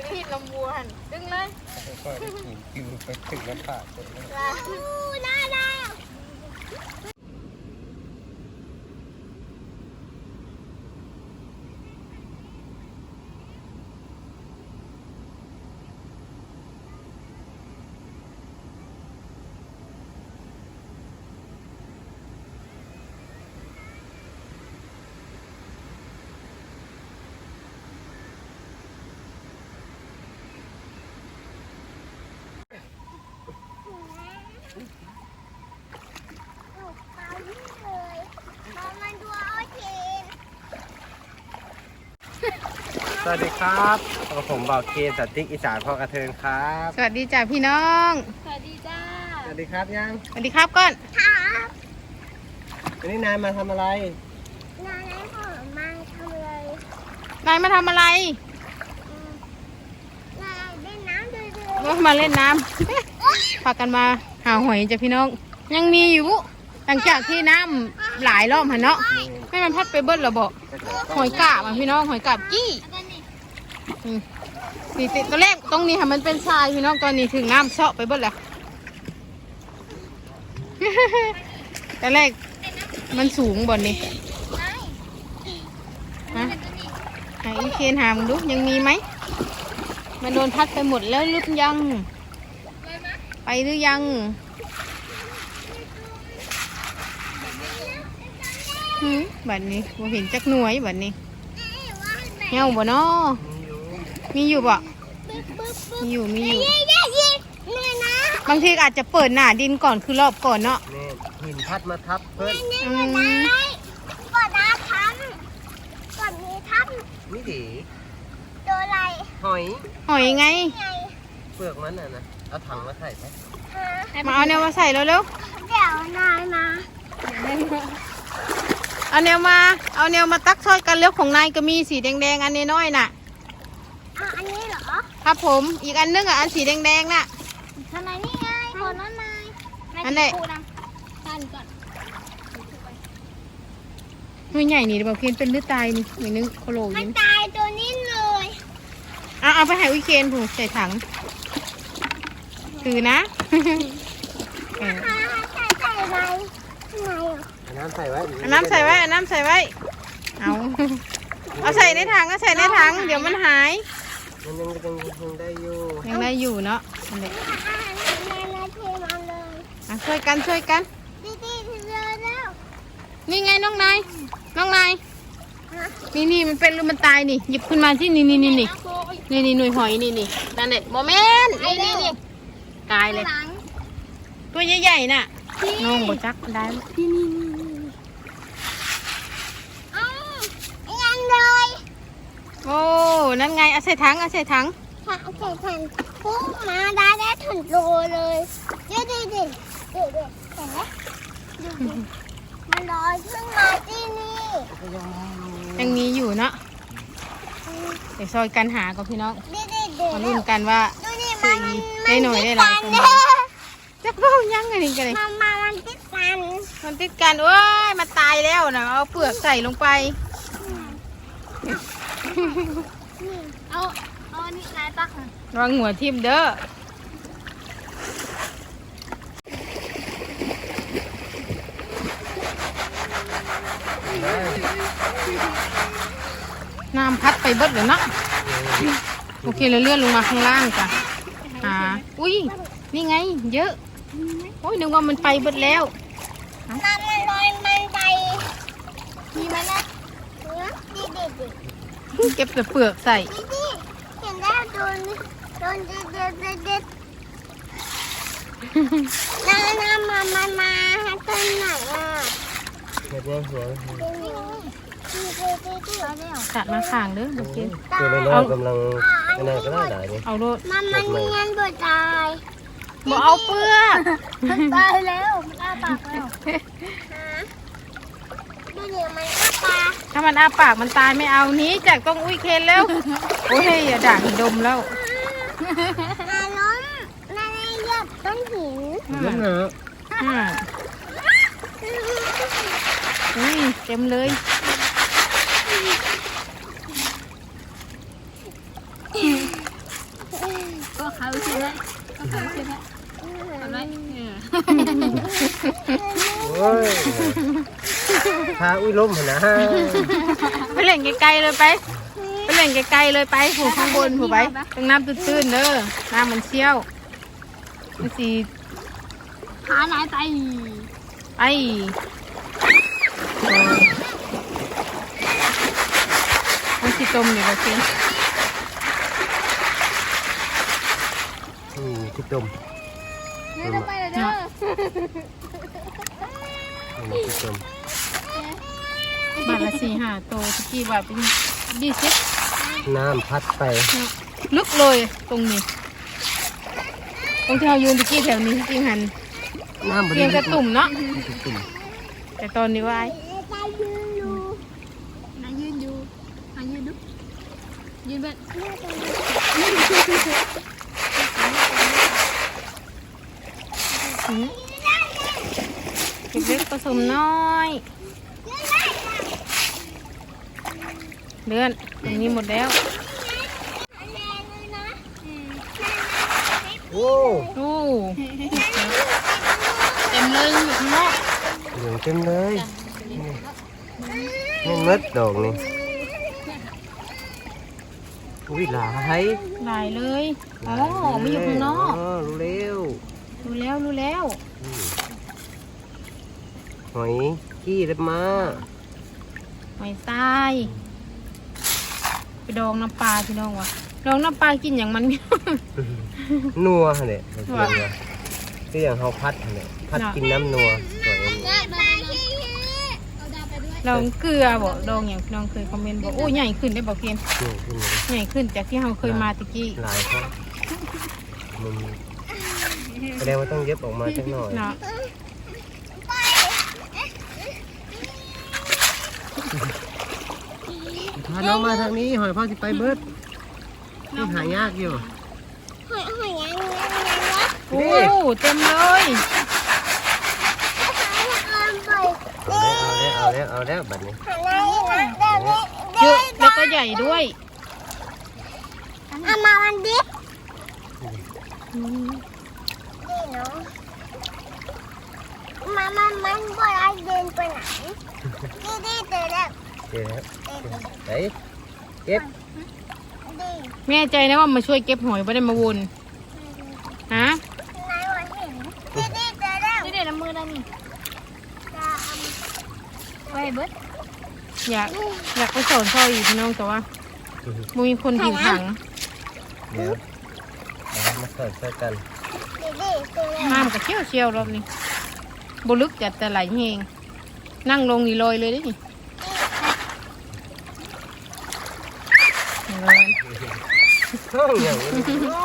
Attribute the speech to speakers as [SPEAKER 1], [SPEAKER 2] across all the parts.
[SPEAKER 1] ที่ลำบัวหันดึงเลย
[SPEAKER 2] ก็ได้กินกินไปถึงน้ำปากเลย
[SPEAKER 1] น่ารัก
[SPEAKER 2] สวัสดีครับผมบอกเกณฑ์สติ๊กอีสานพ่อกระเทินครับ
[SPEAKER 1] สวัสดีจ้าพี่น้องสวัสดีจ้า
[SPEAKER 2] สวัสดีครับยัง
[SPEAKER 1] สวัสดีครับก่อนครับ
[SPEAKER 2] วันนี้นายมาทำอะไร
[SPEAKER 1] นายผมมาทำอะไรนายมาทำอะไรนายเล่นน้ำด้วยมาเล่นน้ำพากันมาหาหอยจ้ะพี่น้องยังมีอยู่หลังจากที่น้ำหลายรอบหันเนาะให้มันพัดไปเบิ้ลระเบาหอยกาบพี่น้องหอยกาบจี้นี่ติดตัวแรกตรงนี้ค่ะมันเป็นทรายพี่น้องตอนนี้ถึงน้ำเซาะไปเบิ้ลแล้วแต่แรกมันสูงบนนี้ฮะไหนอีเคนหามึงดูยังมีไหมมันโดนพัดไปหมดแล้วหรือยังไปหรือยังบัดนี้บ่เห็นจักหน่วยบัดนี้เหี้ยวบ่เนาะมีอยู่บ่มีอยู่บางทีอาจจะเปิดหน้าดินก่อนคือรอบก่อนเนาะ
[SPEAKER 2] หินพัดมาทับเพิ่น
[SPEAKER 1] ก่อนนะทับก่อนมีทับ
[SPEAKER 2] นี่ดิ
[SPEAKER 1] ตัวอะไรหอยไง
[SPEAKER 2] เปลือกมันน่ะนะเอาถังมาใส่ไหม
[SPEAKER 1] มาเอาแนวมาใส่เร็วๆเดี๋ยวนายมาเอาแนวมาตักช่วยกันเร็วของนายก็มีสีแดงๆอันนี้น้อยน่ะอันนี้เหรอครับผมอีกอันนึงอ่ะอันสีแดงๆน่ะทำไมนี่ไงคนนั้นนายอันนี้กันก่อนตัวใหญ่นี่บอกเคนเป็นหรือตายนี่เหมือนนึงโคโลยินตายตัวนี้เลยเอาไปให้วิเคนผูกใส่ถังถือนะใส่ไว้
[SPEAKER 2] น้ำใส่ไว้
[SPEAKER 1] น้ำใส่ไว้เอาใส่ในถังเดี๋ยวมันหาย
[SPEAKER 2] มันยังได้อยู่
[SPEAKER 1] เนาะช่วยกันนี่ไงน้องนายนี่มันเป็นหรือมันตายนี่หยิบขึ้นมาที่นี่หน่วยหอยนี่นั่นแหละโมเมนต์นี่ตายเลยตัวใหญ่ๆน่ะน้องบ่จักได้นี่ยังเลยโอ้นั่นไงเอาใส่ถังปุ๊บมาได้ถึงโลเลยเดี๋ยวเห็นไหมมันลอยขึ้นมาที่นี่ยังมีอยู่เนาะเดี๋ยวซอยกันหากับพี่น้องมาลุ้นกันว่าได้หน่อยได้หลายคนจักเบ้ายังไงนี่กันเลยมันติดกันโอ้ยมันตายแล้วนะเอาเปลือกใส่ลงไปเอาอันนี้นายตักระวังหัวทิ่มเด้อน้ำพัดไปเบิดเลยเนาะโอเคเราเลื่อนลงมาข้างล่างจ้ะอุ้ยนี่ไงเยอะโอ้ยนึกว่ามันไปเบิดแล้วน้ำมันลอยมันไปมีไหมนะเก็บแต่เปลือกใส่เห็นแล้วโดนเด็ดน้ำมาต้นไหน
[SPEAKER 2] เห็ดยังสวย
[SPEAKER 1] จัดมาข้างเด้อโอเค
[SPEAKER 2] ตัวน้อยกำลังก็ได้หลายนี่
[SPEAKER 1] เอาโลดมันเงียนบ่ตายบ่เอาเปลือกมันตายแล้วมันอ้าปากแล้วดูเนี่ยมันอ้าปากถ้ามันอ้าปากมันตายไม่เอานี้จากต้องอุ้ยเคนแล้วโอ้ยอย่าด่างดมแล้วล้มนั่นเหยียบต้นหิน
[SPEAKER 2] เหรอ
[SPEAKER 1] เต็มเลย
[SPEAKER 3] ก็เขาใช่ไหมก็เขาใช่ไหมทำไร
[SPEAKER 2] โอ้ยพาอุ้ยล้มนะ
[SPEAKER 1] ไปเล่นไกลๆเลยไปเล่นไกลๆเลยไปผูข้างบนผูไปตรงน้ำตื้นๆเด้อน้ำมันเชี่ยวมันสี
[SPEAKER 3] หาไหนไป
[SPEAKER 1] ไอ้มันสีต้มอยู่กับเชียง
[SPEAKER 2] ที่จม
[SPEAKER 3] เนี่ยจะไปเลยเด้อ
[SPEAKER 2] ที่จม
[SPEAKER 1] บาทละ4-5โตตะกี้บาทเป็น20
[SPEAKER 2] น้ำพัดไป
[SPEAKER 1] ลึกเลยตรงนี้ตรงที่เรายืนตะกี้แถวนี้จริงหัน
[SPEAKER 2] น้ำ
[SPEAKER 1] เพียงกระตุ่มเนาะ
[SPEAKER 2] ตุ่ม
[SPEAKER 1] แต่ตอนนี้ว่า
[SPEAKER 3] นายยืนอยู่นายยืนดูยืนเบ็ด
[SPEAKER 1] เล็กๆผสมน้อยเดือนตรงนี้หมดแล้ว
[SPEAKER 2] โอ้
[SPEAKER 1] ดูเต็มเลยอยู่ข้างนอก
[SPEAKER 2] เหลืองเต็มเลยนี่มัดดอกนี่อุ้ยหลาย
[SPEAKER 1] หลายเลยอ๋อไม่อยู่ข้างนอก
[SPEAKER 2] รู้เร็ว
[SPEAKER 1] รู้แล้ว
[SPEAKER 2] หอยขี้เล็บมา
[SPEAKER 1] หอยทรายไปดองน้ำปลาพี่น้องวะดองน้ำปลากินอย่างมัน
[SPEAKER 2] นัวเนี่ยก็อย่างเขาพัดเนี่ยพัดกินน้ำนัวสวย
[SPEAKER 3] เอาดาวไปด้วย
[SPEAKER 1] ดองเกลือบอกดองอย่างพี่น้องเคยคอมเมนต์บอกโอ้ใหญ่ขึ้นได้บอกเพียน
[SPEAKER 2] นี่ขึ้นเลย
[SPEAKER 1] ใหญ่ขึ้นจากที่เราเคยมาตะกี้
[SPEAKER 2] หลายครับมันแสดงว่าต้องเย็บออกมาสักหน่อย
[SPEAKER 1] เนาะ
[SPEAKER 2] พาน้องมาทางนี้หอยพ่อจะไปเบิดนี่หายากอยู่
[SPEAKER 1] โอ้เต็มเลย
[SPEAKER 2] เอาแล้วบัดนี้
[SPEAKER 1] เยอะแล้วก็ใหญ่ด้วย
[SPEAKER 3] เอามาวันดิ
[SPEAKER 4] นี่เนาะมันบ่ได้เดินไปไหนนี่เจอแล้ว
[SPEAKER 2] เจ๊ครับไหนเก็บ
[SPEAKER 4] ดี
[SPEAKER 1] แม่ใจนะว่ามาช่วยเก็บหอยไม่ได้มาวนฮะ
[SPEAKER 4] นายว่าเห็นนี่เจอแล้ว
[SPEAKER 3] นี่เดี๋ยวน้ำมือได้นี่
[SPEAKER 4] จะเอา
[SPEAKER 3] ไปเบิด
[SPEAKER 1] อยากไปสอนพ่ออีกพี่น้องแต่ว่ามีคนหิวถัง
[SPEAKER 2] เดี๋ยวมาสอนช่วยกัน
[SPEAKER 4] ดีเจอแล้ว
[SPEAKER 1] น้ำกับเชี่ยวรอบนี้บลึกจัดแต่ไหลเฮงนั่งลงนี่ลอยเลยได้นี่ลอย
[SPEAKER 2] ห้องอย่างนี้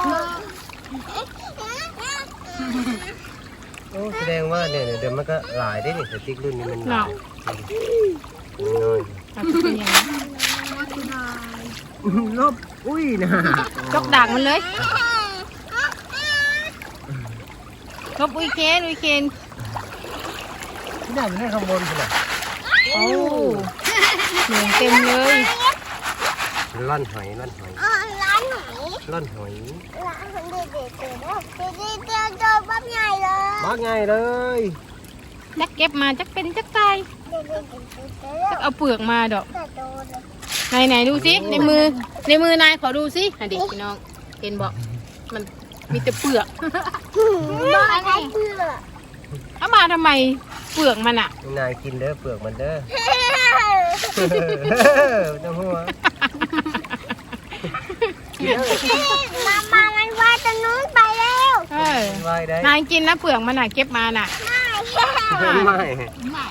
[SPEAKER 2] โอ้แสดงว่าเนี่ยเดี๋ยวมันก็หลายได้นี่แต่ติ๊กรุ่นนี้มันหลายน้อย
[SPEAKER 1] เอาเป็นอย่างนี้
[SPEAKER 2] ลบอุ้ยนะ
[SPEAKER 1] จกดักมันเลยลบอุ้ยเคน
[SPEAKER 2] ที่ไหนมันให้ข้างบนสิล่ะ
[SPEAKER 1] โอ้เหลืองเต็มเลย
[SPEAKER 2] ล่อนหอย
[SPEAKER 4] ร้านไหน
[SPEAKER 2] ล่อนหอย
[SPEAKER 4] ร้านคนดีเจอแล้วดีเจอปั๊บใหญ่เลย
[SPEAKER 2] มาไงเลย
[SPEAKER 1] จักเก็บมาจักเป็นจักตาย
[SPEAKER 4] เจอแล้ว
[SPEAKER 1] จักเอาเปลือกมาดอก
[SPEAKER 4] แต่โดนเลย
[SPEAKER 1] ไหนดูสิในมือนายขอดูสิอ่ะดิพี่น้องเห็นบอกมันมีแต่เปลือก
[SPEAKER 4] บ้านไหนเพื่อ
[SPEAKER 1] เอามาทำไมเปลือกมันอ่ะ
[SPEAKER 2] นายกินเด้อเปลือกมันเด้อน้ำหัว
[SPEAKER 4] มามันว่าจะนู้นไปแล้ว
[SPEAKER 1] เออ
[SPEAKER 2] วายได้
[SPEAKER 1] นายกินนะเปลือกมันอ่ะเก็บมาน่ะ
[SPEAKER 2] ไม่
[SPEAKER 3] ไม่
[SPEAKER 4] มันอยู่ตรงไหน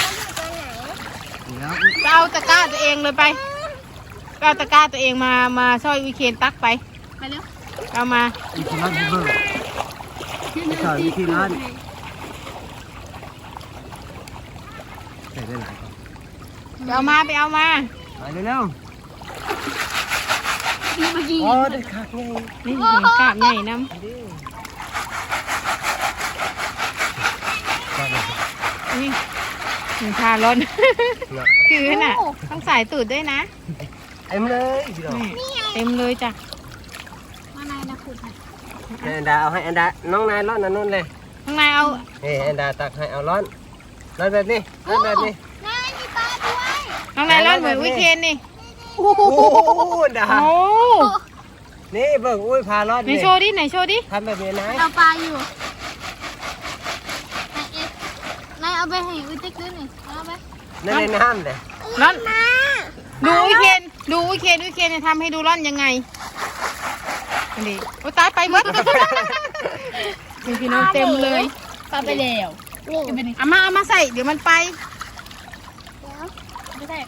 [SPEAKER 1] ไปเอาตะกร้าตัวเองเลยไปเอาตะกร้าตัวเองมาช่วยวิเคนตักไป
[SPEAKER 3] ไปเร็ว
[SPEAKER 1] เอามา
[SPEAKER 2] วิธีร้านเบอร์สอนวิธีร้านใส่ได้หลายคน
[SPEAKER 1] ไปเอามาไปเอามา
[SPEAKER 2] ไปเร็ว
[SPEAKER 3] นี่เมื่อกี้
[SPEAKER 2] ๆอ๋อได้ค่ะนี่
[SPEAKER 1] นี่เห็นกาบใหญ่น้
[SPEAKER 2] ดิ
[SPEAKER 1] ำนี่หนึ่งทาร้อน คือน่ะต้องใส่ตูดด้วยนะ
[SPEAKER 2] เต็มเลยพี่น้อง
[SPEAKER 1] นี่เต็มเลยจ้ะ
[SPEAKER 3] มาไหนนะขุดให้
[SPEAKER 2] ให้อันดาเอาให้อันดาน้องนายร้อนอันนู้นเลย
[SPEAKER 1] ข้างในเอา
[SPEAKER 2] เฮ้อันดาตักให้เอาร้อนแบบนี้ร้อนแบบนี้
[SPEAKER 4] นายมีปลาด้วย
[SPEAKER 1] ข้างในร้อนเหมือนวิเคนนี่
[SPEAKER 2] โอ้โหดา
[SPEAKER 1] โอ้
[SPEAKER 2] นี่เบิ่งอุ้ยพาร้อน
[SPEAKER 1] ไหนโชว์ดิไหนโชว์ดิ
[SPEAKER 2] ทำแบบนี้นะ
[SPEAKER 3] เอาปลาอยู่นายเอาไปให้อุ้ยติ๊กด้วยหน่อยเอาไป
[SPEAKER 2] นั่นในน้ำเลย
[SPEAKER 1] ร้อนดูวิเคนดูวิเคนวิเคนจะทำให้ดูร้อนยังไงนี่โอ้ตายไปหมดมีพี่น้องเต็มเลย
[SPEAKER 3] ปลาไปแล้ว
[SPEAKER 4] นี่
[SPEAKER 3] จะเป็น
[SPEAKER 1] เอามาใส่เดี๋ยวมันไป
[SPEAKER 4] เดี๋ยว
[SPEAKER 3] ไม่ใช่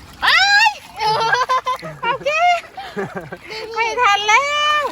[SPEAKER 1] โอเคไม่ทันแล้ว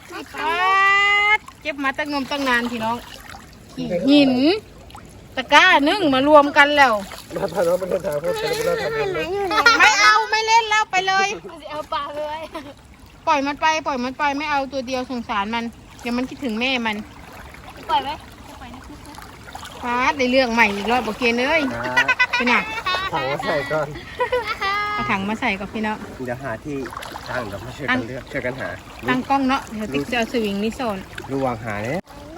[SPEAKER 1] เก็บมาตั้งนมตั้งนานพี่น้องหินตะกร้านึ่งมารวมกันแล้ว
[SPEAKER 2] มาพาน้องไปเดินทางพวกเราไปเดินทาง
[SPEAKER 4] มันมาอยู่ไหน
[SPEAKER 1] ไม่เอาไม่เล่นแล้วไปเลย
[SPEAKER 3] เอาปลาเลย
[SPEAKER 1] ปล่อยมันไปไม่เอาตัวเดียวสงสารมันเดี๋ยวมันคิดถึงแม่มัน
[SPEAKER 3] ปล่อยไหมปล่อยนะคุกนะ
[SPEAKER 1] ฟาดได้เรื่องใหม่อีกรอบโอเคเลยเป็นไง
[SPEAKER 2] ถังมาใส่ก่อน
[SPEAKER 1] เอาถังมาใส่กับพี่น้อง
[SPEAKER 2] เดี๋ยวหาที่ตั้งเดี๋ยวมาช่วยกันเลือกช่วยกันหา
[SPEAKER 1] ตั้งกล้องเนาะเดี๋ยวติ๊กจะเอาสวิงนี่โซน
[SPEAKER 2] ระวังหาเนี่ย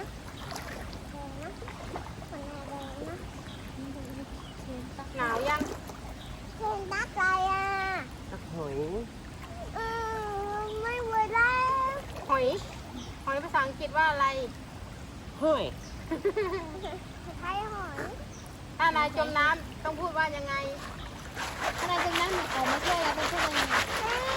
[SPEAKER 1] หนาวยัง
[SPEAKER 4] เพลงรักอะไรอ่ะ
[SPEAKER 2] สักหอย
[SPEAKER 4] ไม่เวลา
[SPEAKER 1] หอยภาษาอังกฤษว่าอะไร
[SPEAKER 2] หอย
[SPEAKER 4] ไทยหอย
[SPEAKER 1] ถ้านายจมน้ำต้องพูดว่ายังไง
[SPEAKER 3] นายตรงนั้นเหมือนออกมาช่วยแล้วไปช่วยยังไง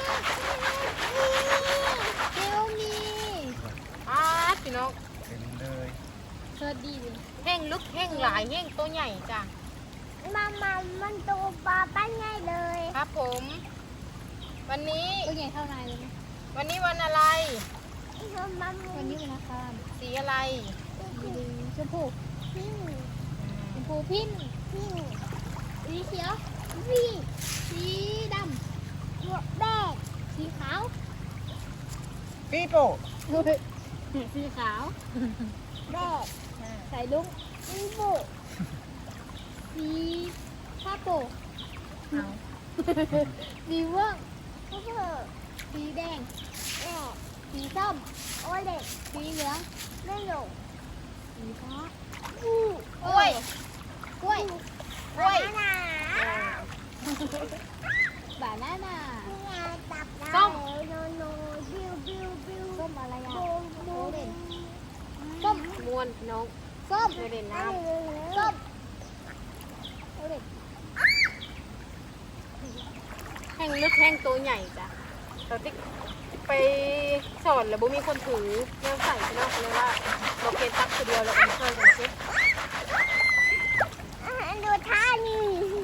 [SPEAKER 3] เดี๋ยวมี
[SPEAKER 1] พี่น้อง
[SPEAKER 2] เป็นเลย
[SPEAKER 3] สวัสดีเลย
[SPEAKER 1] แห้งลึกแห้งหลายแห้งตัวใหญ่จ้ะ
[SPEAKER 4] มันตัวปลาปั้นง่ายเลย
[SPEAKER 1] ครับผม วันนี้
[SPEAKER 3] ตัวใหญ่เท่านายเลยไหม
[SPEAKER 1] วันนี้วันอะไร
[SPEAKER 4] มัน
[SPEAKER 3] วันนี้เป็นอาคาร
[SPEAKER 1] สีอะไร
[SPEAKER 3] สีชมพู
[SPEAKER 4] พิ้ง
[SPEAKER 3] ชมพูพิ้น
[SPEAKER 4] พิ้ง
[SPEAKER 3] สีเขียว
[SPEAKER 4] วิ่ง
[SPEAKER 3] สีด
[SPEAKER 4] หัวแบก
[SPEAKER 3] ำสีขาว
[SPEAKER 2] ปีโป้
[SPEAKER 3] สีขาว
[SPEAKER 4] แบก
[SPEAKER 3] ใส่ลุง
[SPEAKER 4] มีบุ
[SPEAKER 3] สีผ้าโป่สีม่วง
[SPEAKER 4] เพื่อ
[SPEAKER 3] สีแดง
[SPEAKER 4] แบก
[SPEAKER 3] สีส้ม
[SPEAKER 4] โอเล็ก
[SPEAKER 3] สีเหลือง
[SPEAKER 4] ไม่หลง
[SPEAKER 3] สีฟ้า
[SPEAKER 4] บู
[SPEAKER 1] กล้วย
[SPEAKER 3] กล้วย
[SPEAKER 1] กล้วย
[SPEAKER 4] หนา
[SPEAKER 3] บานาน่า
[SPEAKER 4] ที่งานตับได้
[SPEAKER 1] ส้ม
[SPEAKER 4] โนโนบิวบิวบิว
[SPEAKER 3] ส้มอะไรอ่ะ
[SPEAKER 4] บูมบู
[SPEAKER 3] โอ
[SPEAKER 4] ม
[SPEAKER 3] เรนส้ม
[SPEAKER 1] มวนพี่น้อง
[SPEAKER 3] ส้ม
[SPEAKER 1] ไปเล่นน้
[SPEAKER 3] ส้มโอเรน
[SPEAKER 1] ำแห้งลึกแห้งตัวใหญ่จ้ะเราติ๊กไปสอนแล้วบ่มีคนถือแนวใส่พี่น้องเลยว่าเราเกณฑ์ตักคนเดียวเราเอามาช่วยกันเช็ค
[SPEAKER 4] ดูท่านี่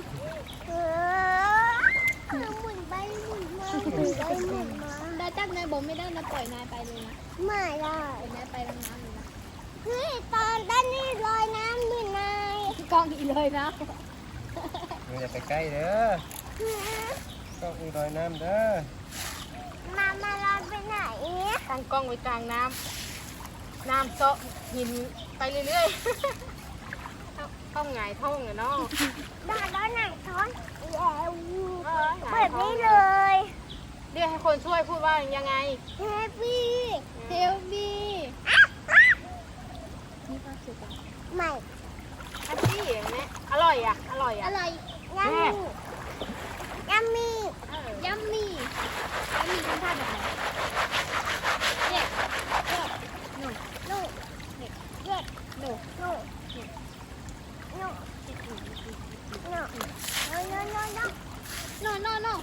[SPEAKER 4] หมุนไปหมุนมาหมุนไปหมุนมา
[SPEAKER 3] ได้จับนายบอกไม่ได้นะปล่อยนายไปเลยนะ
[SPEAKER 4] ไม่ได้
[SPEAKER 3] ปล่อยนายไปลงน้ำเลยนะ
[SPEAKER 4] เฮ้ยตอนด้านนี้ลอยน้ำด้วยนาย
[SPEAKER 3] กล้องอีเลยนะ
[SPEAKER 2] มึงอย่าไปใกล้เด้อต้องอีรอยน้ำเด้อ
[SPEAKER 4] มาลอยไปไหน
[SPEAKER 1] ตั้งกล้องไว้กลางน้ำน้ำเซาะหินไปเรื่อยๆต้องหงายท้องอะเนาะ
[SPEAKER 4] ด้านแล้วไหนท้อนแล้ว
[SPEAKER 1] ห
[SPEAKER 4] แบ
[SPEAKER 1] งาย
[SPEAKER 4] บ
[SPEAKER 1] ท้อง
[SPEAKER 4] นี้เลย
[SPEAKER 1] เรียกให้คนช่วยพูดว่ายังไง
[SPEAKER 4] แฮปปี้
[SPEAKER 3] เทลมีมีความสุขอ่ะ
[SPEAKER 4] ใหม่
[SPEAKER 1] แฮปปี้อย่างนี้อร่อยอ่ะ อร่อยอ่ะ
[SPEAKER 3] อะไร
[SPEAKER 4] ยัมมี่ยัมมี่
[SPEAKER 3] ยัมมี่ยัมมี่ทำท่าแบบไหนเนี่ยเลือดหนู
[SPEAKER 4] ลูก
[SPEAKER 3] เนี่ยเลือดหนู
[SPEAKER 4] ลูกลูกลูกโนโนโนโน
[SPEAKER 3] โนโนโน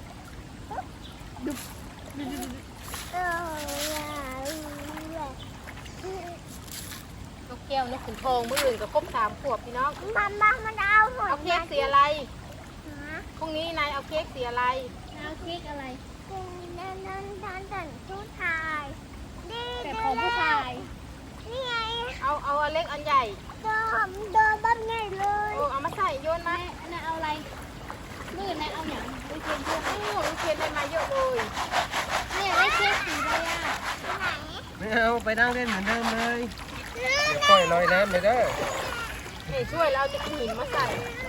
[SPEAKER 1] นกแก้วนกขุนทองมื่ออื่นกับครบ3 ขวบพี่น้อง
[SPEAKER 4] มันเอาหมด
[SPEAKER 1] เอาเค้กสีอะไรพรุ่งนี้นายเอาเค้กสีอะไร
[SPEAKER 3] น้ำเค้กอะไร
[SPEAKER 4] นั่นผู้ชายดี
[SPEAKER 3] แต่ของผู้ชาย
[SPEAKER 4] นี่ไง
[SPEAKER 1] เอาอันเล็กอันใหญ่
[SPEAKER 4] เดินบ้านไงเลย
[SPEAKER 1] โอ้เอามาใส่โยนมา
[SPEAKER 3] นายเอาอะไรมือนายเอาอย่างไปเทียนเพื่อน
[SPEAKER 1] โอ้ลูกเทียนได้มาเยอะเลย
[SPEAKER 3] เนี่ยได้เค้กสีอะไรอ่ะ
[SPEAKER 4] ไหน
[SPEAKER 2] ไม่เอาไปนั่งเล่นเหมือนเดิมเลยเดี๋ยวปล่อยลอยน้ำเลยเด้อ
[SPEAKER 1] นี่ช่วยแล้วเอาจะหินมาใส่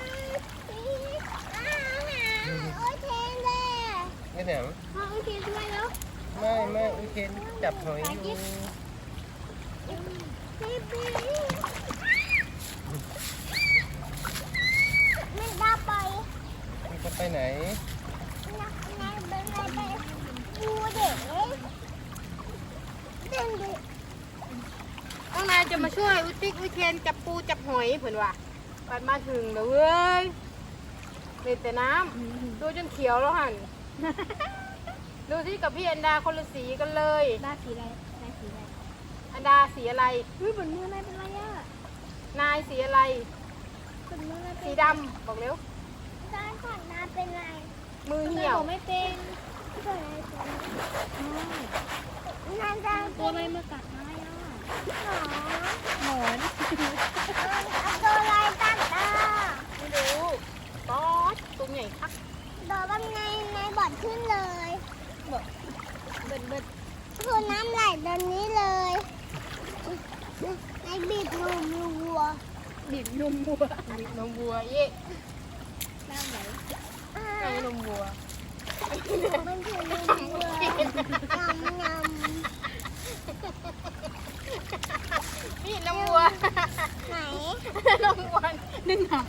[SPEAKER 4] โอเคเลย
[SPEAKER 2] ไม่เหนียว
[SPEAKER 3] อ๋อโอเคช่วยแล้ว
[SPEAKER 2] ไม่อุ้ยเคนจับหอยอยู่
[SPEAKER 4] มันจะไป
[SPEAKER 2] มันจะไปไหน
[SPEAKER 4] ดูเด็กเด็ก
[SPEAKER 1] น้องนายจะมาช่วยอุติ๊กอุเทนจับปูจับหอยเผื่อว่าปัดมาถึงแล้วเว้ยเลยแต่น้ำดูจนเขียวแล้วหัน ดูที่กับพี่อันดาคนละสีกันเลย
[SPEAKER 3] ได้สีอะไรได้สีอะไร
[SPEAKER 1] อันดาสีอะไร
[SPEAKER 3] เฮ้ยเหมือนมือนายเป็นไรอ่ะ
[SPEAKER 1] นายสีอะไร
[SPEAKER 3] เหมือนมือนายเป็น
[SPEAKER 1] สีดำบอกเร็ว
[SPEAKER 4] ตอนก่อนน้าเป็นไร
[SPEAKER 1] มือ
[SPEAKER 3] เหี่
[SPEAKER 1] เหี่
[SPEAKER 3] ย
[SPEAKER 1] ยว ว
[SPEAKER 3] ไม่เป็น
[SPEAKER 4] เป็นไรน้าจะ
[SPEAKER 3] ตัวอะไรมากัดนายอ่ะ
[SPEAKER 4] หมอ
[SPEAKER 3] หมอน
[SPEAKER 4] เอาตัวอะไรตัดตา
[SPEAKER 1] ไม่รู้ป๊อดตัวใหญ่คัก
[SPEAKER 4] โดนแบบในบอดขึ้นเลย
[SPEAKER 3] เบิดเบิด
[SPEAKER 4] คือน้ำไหลตอนนี้เลยในบีบนมวัว
[SPEAKER 3] บีบนมบัว
[SPEAKER 1] บีบนมวัวเย่
[SPEAKER 3] น้ำไหล
[SPEAKER 1] ไอ้นมวัว
[SPEAKER 4] มันคือนมวัวยำ
[SPEAKER 1] นี่นมวัว
[SPEAKER 4] ไหน
[SPEAKER 1] นมวัวดึงหาง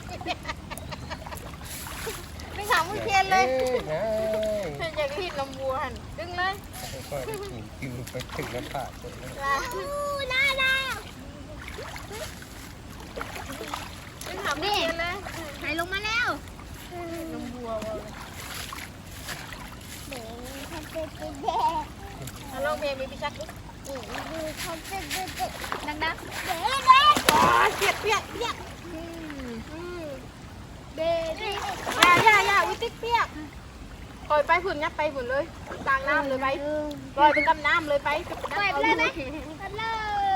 [SPEAKER 1] ดึงหางมือเทียนเลย
[SPEAKER 2] นาย
[SPEAKER 1] อยากกินนมวัวหันดึงเลย
[SPEAKER 2] ค่อยๆกินกินไปถึงน้ำปากเลยนะ
[SPEAKER 1] ลา
[SPEAKER 4] ได้แล้ว
[SPEAKER 1] ดึงหางมือเทียนเลย
[SPEAKER 3] ไหลลงมาแล้ว
[SPEAKER 1] นมวัวว่ะ
[SPEAKER 4] เด็กเขาเป็นเด็ก
[SPEAKER 1] เอาลองเพลงมีพิชักอีก
[SPEAKER 4] ดูเขาเป็นเด็กเด็ก
[SPEAKER 3] ดัง
[SPEAKER 4] เด็ก
[SPEAKER 1] อ๋อเปียกเปียกเปียกเด็ดอย่าวิติ๊กเปียกปล่อยไปฝุ่นยัดไปฝุ่นเลยกลางน้ำเลยไปปล่อยไปกับน้ำเลยไป
[SPEAKER 3] ๆปล่อยไปเลยไหมกันเลย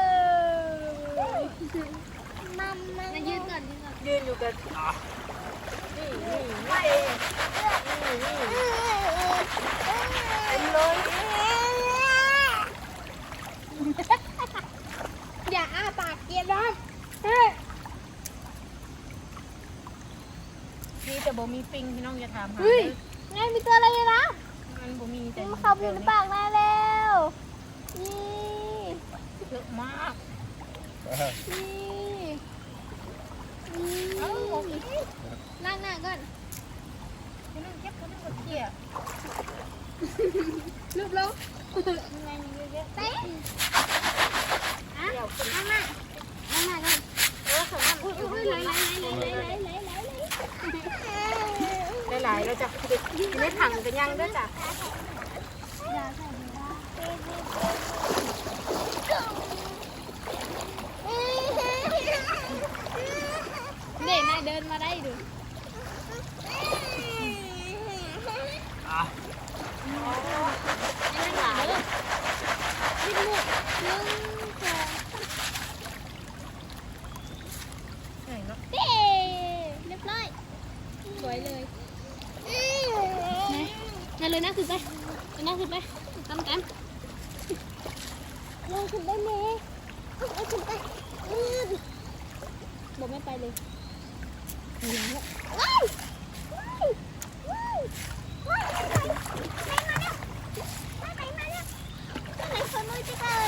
[SPEAKER 4] มัม
[SPEAKER 3] มายืนก่อนยืนก่อน
[SPEAKER 1] ยืนอยู่กันนี่เต็มเลย
[SPEAKER 3] อย่าอ้าปากเกียร์นะ
[SPEAKER 1] พี่แต่บ่มีปิงพี่น้องอย่าถามหา
[SPEAKER 3] เฮ้ยไงมีตัวอะไรเลยนะ
[SPEAKER 1] มันบ่มีแต่
[SPEAKER 3] เขาอยู่ในปากมาแล้วนี่
[SPEAKER 1] เยอะมาก
[SPEAKER 3] นี่
[SPEAKER 1] เอ้า
[SPEAKER 3] นั่งหน้าก่อน
[SPEAKER 1] พี่น้องเก็บเขาไม่กดเขี่ย
[SPEAKER 3] รูปลงยังไงมีเยอะแยะเต้อ่ะ
[SPEAKER 1] เดี๋ยวคน
[SPEAKER 3] นั่งหน้านั่งหน้าก่อน
[SPEAKER 1] สองอัน
[SPEAKER 3] อุ้ยไหล
[SPEAKER 1] หลายๆแล้วจ้ะเด็กไม่ถังกันยังด้วยจ้ะ
[SPEAKER 3] อย่าใส่ดีบ้าเด็กนายเดินมาได้ดูนั่งหลังเลยนี่ลูก1 2
[SPEAKER 1] ใช่เนาะ
[SPEAKER 3] เย้เรียบร้อยสวยเลยนั่นเลยนะขึ้นไปนั่งขึ้นไปตามกัน
[SPEAKER 4] ลงขึ้นได้ไหมลงขึ้นไป
[SPEAKER 3] บอกไม่ไปเลย
[SPEAKER 4] ว้าวว้าวว้าวไปมาแล้วไปคนมือจะเลย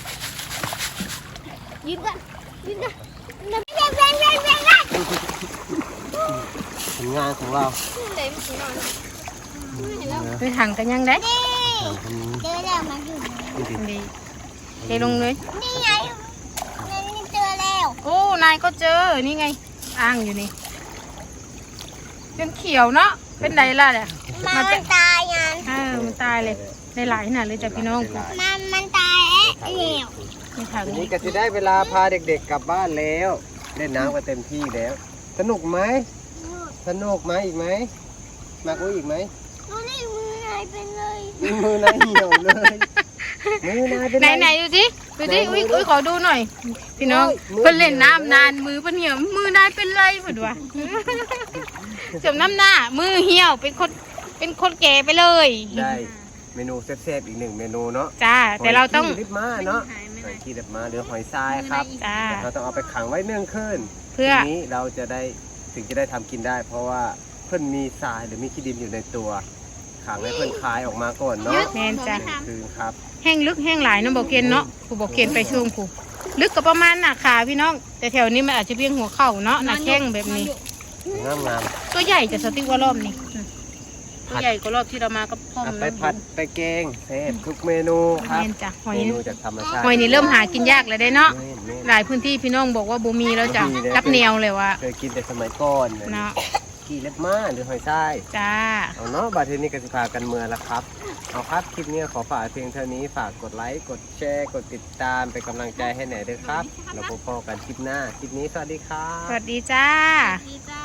[SPEAKER 3] ยืนกันยืนกัน
[SPEAKER 4] เร่ง
[SPEAKER 2] ผลงานของเรา
[SPEAKER 3] เต็มสีนอนเห็นแล้ว
[SPEAKER 1] ไปถังกันยังได้
[SPEAKER 4] เจอแล้วมาอยู่
[SPEAKER 1] ดีเทลงเลย
[SPEAKER 4] นี่ไงนี่เจอแล้ว
[SPEAKER 1] โอ้นายก็เจอนี่ไงอ้างอยู่นี่ยังเขียวเนาะเป็นไรล่ะเนี่ย
[SPEAKER 4] มันตายยัน
[SPEAKER 1] มันตายเลยได้หลายขนาดเลยจ้ะพี่น้อง
[SPEAKER 4] มันตายแล้ว
[SPEAKER 1] มีถัง
[SPEAKER 2] ทีนี้ก็จะได้เวลาพาเด็กๆกลับบ้านแล้วเล่นน้ำกันเต็มที่แล้ว สนุกไหมสนุกไหมอีกไหมมากุ้ยอีกไหม
[SPEAKER 4] ดูนี่มือนายเป็นเลย
[SPEAKER 2] มือนายเหี่ยวเลยมือนายเป็น
[SPEAKER 1] ไหนดูสิอุ้ยขอดูหน่อย พี่น้องเพิ่นเล่นน้ำนานมือเพิ่นเหี่ยวมือนายเป็นไรเพิ่นวะเสริมน้ำหน้ามือเหี่ยวเป็นคนแก่ไปเลย
[SPEAKER 2] ได้เมนูแซ่บๆอีก1เมนูเนาะ
[SPEAKER 1] จ้าแต่เราต้อง
[SPEAKER 2] หยขี้ลิบมาเนาะหอยขี้ลิบมาหรือหอยทรายครับ
[SPEAKER 1] จ้า
[SPEAKER 2] เราต้องเอาไปขังไว้1 คืน
[SPEAKER 1] เพื่อ
[SPEAKER 2] ทีนี้เราจะได้ถึงจะได้ทำกินได้ เพราะว่าเพิ่นมีทรายหรือมีขี้ดินอยู่ในตัวขังให้เพื่อนคลายออกมาก่อนเนาะ
[SPEAKER 1] แม่นจ้ะ
[SPEAKER 2] คืนครับ
[SPEAKER 1] แห้งลึกแห้งหลายเน้องบอกเกนเนาะผู้บอกเกนไปช่วงผู้ลึกก็ประมาณหน้าขาพี่น้อง แต่แถวนี้มันอาจจะเพียงหัวเข่าเนาะหน้าแข้งแบบนี้
[SPEAKER 2] งามงาม
[SPEAKER 1] ตัวใหญ่จะสติ๊กว่ารอบนี้ตัวใหญ่กว่ารอบที่เรามากับพ่อ
[SPEAKER 2] ๆ
[SPEAKER 1] ม
[SPEAKER 2] ไปผัดไปแกงเซฟทุกเมนูครับ
[SPEAKER 1] แม่นจ้ะหอย
[SPEAKER 2] เม
[SPEAKER 1] นี่
[SPEAKER 2] นูจากธรรมชาติ
[SPEAKER 1] หอยนี่เริ่มหากินยากแล้วได้เนาะ
[SPEAKER 2] แม่น
[SPEAKER 1] หลายพื้นที่พี่น้องบอกว่าบ่มีแล้วจ้ะ
[SPEAKER 2] บ่มีแล้ว
[SPEAKER 1] รับแนวเลยว่า
[SPEAKER 2] เคยกินแต่สมัยก่อน
[SPEAKER 1] เนาะ
[SPEAKER 2] ขี่เล็บม้าหรือหอยทราย
[SPEAKER 1] จ้า
[SPEAKER 2] เอาเนาะบาดเทนี้กสิพากันเมืองละครับเอาครับคลิปนี้ขอฝากเพียงเท่านี้ฝากกดไลค์กดแชร์กดติดตามเป็นกำลังใจให้หน่อยด้วยครับเราพบกันคลิปหน้าคลิปนี้สวัสดีครับ
[SPEAKER 1] สวัสดีจ้า
[SPEAKER 3] ดีจ้า